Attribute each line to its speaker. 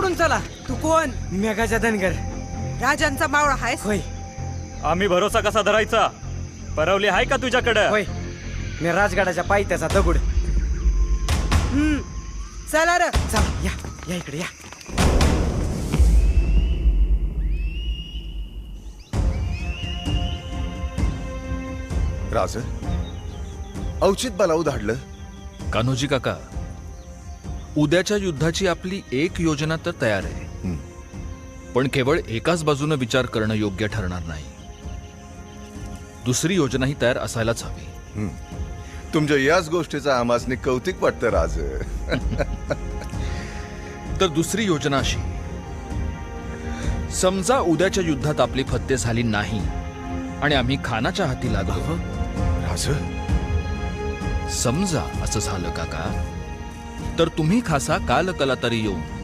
Speaker 1: पकडून चला.
Speaker 2: तू कोण?
Speaker 1: मेघाचा धनगर.
Speaker 2: राजांचा मावळा आहेस?
Speaker 1: होय
Speaker 3: आम्ही भरोसा कसा धरायचा? परवली आहे का तुझ्याकडं?
Speaker 1: होय, मी राजगडाच्या पायथ्याचा दगड.
Speaker 2: चला र.
Speaker 1: चला या या इकडे या.
Speaker 4: राज औचित बलाऊ धाडलं.
Speaker 5: कान्होजी काका, उद्याच्या युद्धाची आपली एक योजना तर तयार आहे, पण केवळ एकाच बाजूने विचार करणं योग्य ठरणार नाही. दुसरी योजनाही तयार असायलाच हवी.
Speaker 4: तुमच्या याच गोष्टीचा आमासनी कौतिक वाटतं राज.
Speaker 5: तर दुसरी योजना अशी, समजा उद्याच्या युद्धात आपली फत्ते झाली नाही आणि आम्ही खानाच्या हाती लागलो.
Speaker 4: राज
Speaker 5: समजा असं झालं काका, तर तुम्ही खासा कालकला तरी येऊन